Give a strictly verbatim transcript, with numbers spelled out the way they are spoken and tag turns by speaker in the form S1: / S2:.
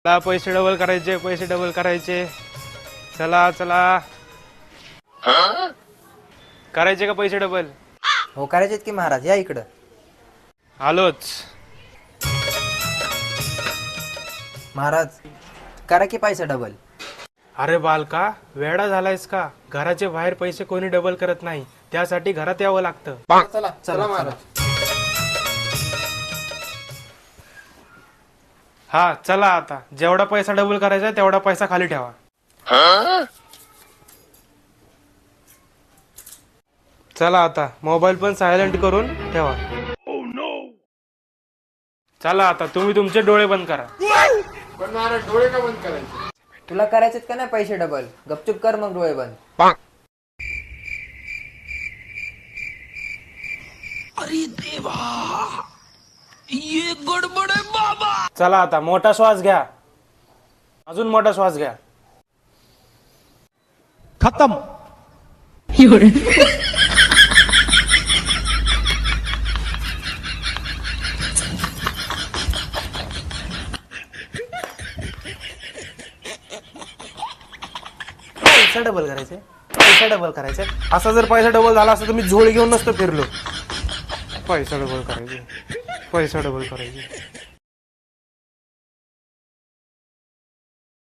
S1: चला पैसे डबल करायचे, पैसे डबल करायचे. चला चला. करायचे का पैसे डबल?
S2: हो करायचेत की महाराज, या इकडं.
S1: आलोच.
S2: महाराज करा की पैसा डबल.
S1: अरे बालका, वेडा झालायस का? घराचे बाहेर पैसे कोणी डबल करत नाही, त्यासाठी घरात यावं लागतं.
S2: चला चला महाराज.
S1: हा चला आता, जेवढा पैसा डबल करायचा तेवढा पैसा खाली ठेवा. चला आता मोबाईल पण सायलेंट करून ठेवा. चला आता तुम्ही तुमचे डोळे बंद करा.
S3: पण महाराज डोळे का बंद करायचे?
S2: तुला करायचेत का नाही पैसे डबल? गपचूप कर मग डोळे बंद.
S1: चला आता मोठा श्वास घ्या, अजून मोठा श्वास घ्या.
S4: खत्म.
S1: पैसा डबल करायचे, पैसा डबल करायचे. असा जर पैसा डबल झाला असता तर मी झोळी घेऊन नसतो फिरलो. पैसा डबल करायचे, पैसा डबल करायचे.